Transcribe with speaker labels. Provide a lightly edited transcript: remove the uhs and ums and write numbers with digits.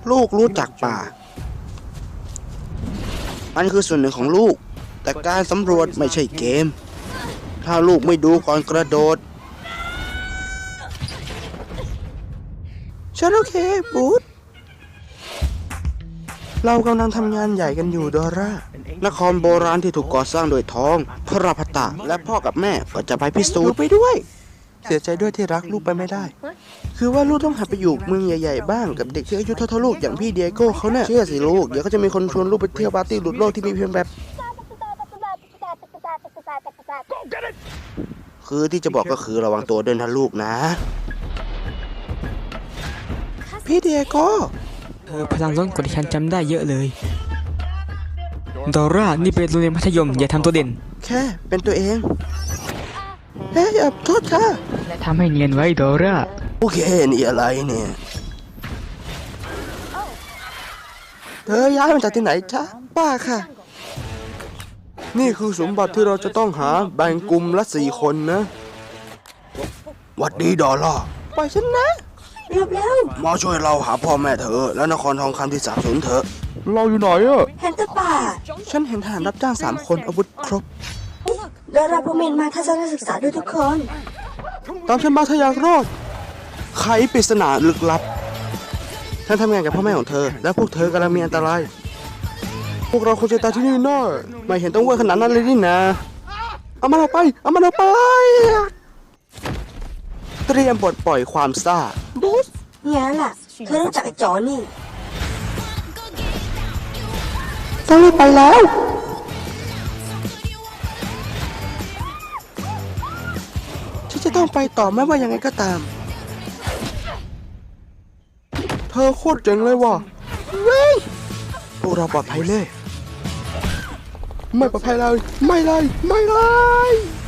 Speaker 1: ลูกรู้จักป่ามันคือส่วนหนึ่งของลูกแต่การสำรวจไม่ใช่เกมถ้าลูกไม่ดูก่อนกระโดดฉันโอเคบูธเรากำลังทำงานใหญ่กันอยู่ดอร่านครโบราณที่ถูกก่อสร้างโดยทองพระพัตตาและพ่อกับแม่ก็จะไปพิสูจน์ไปด้วยเสียใจด้วยที่รักลูกไปไม่ได้คือว่าลูกต้องหัดไปอยู่เมืองใหญ่ๆบ้างกับเด็กที่อายุเท่าๆลูกอย่างพี่เดียโก้เขาเนี่ยเชื่อสิลูกเดี๋ยวก็จะมีคนชวนลูกไปเที่ยวปาร์ตี้หลุดโลกที่มีเพียงแบบคือที่จะบอกก็คือระวังตัวด้วยนะลูกนะพี่เดียโก้
Speaker 2: พลังล้นกว่าที่ฉันจำได้เยอะเลยดอร่านี่เป็นโรงเรียนมัธยมอย่าทำตัวเด่น
Speaker 1: แค่เป็นตัวเองเฮ้ยโทษค่ะ
Speaker 2: และทำให้เนียนไว้ดอร่า
Speaker 1: โอเคนี่อะไรเนี่ยเธอย้ายมาจากที่ไหนจ๊ะป้าค่ะนี่คือสมบัติที่เราจะต้องหาแบ่งกลุ่มละ4 คนนะหวัดดีดอลล่าปล่อยฉันนะ
Speaker 3: เร็วเร็ว
Speaker 1: มาช่วยเราหาพ่อแม่เธอและนครทองคำที่สาบสูญเถอะ
Speaker 4: เราอยู่ไหนอะ
Speaker 3: เห็นแต่ป่า
Speaker 1: ฉันเห็นทหารรับจ้าง3 คนอาวุธครบ
Speaker 3: เดินรับผู้เมนมาทัศนศึกษาด้วยทุกคน
Speaker 1: ตามฉันมาถ้าอยากรอดไขปริศนาลึกลับฉันทำงานกับพ่อแม่ของเธอและพวกเธอกำลังมีอันตรายพวกเราควรจะตายที่นี่แน่ไม่เห็นต้องเวอร์ขนาดนั้นเลยนี่นะเอามันออกไปเตรียมปลดปล่อยความซ่า
Speaker 3: บูสเนี่ยล่ะเธอรู้จักไอ้จอนี่
Speaker 1: ต้องรีบไปแล้วฉันจะต้องไปต่อไม่ว่ายังไงก็ตามเธอโคตรเจ๋งเลยว่ะพวกเราปลอดภัยเลยไม่ปลอดภัยเลยไม่เลย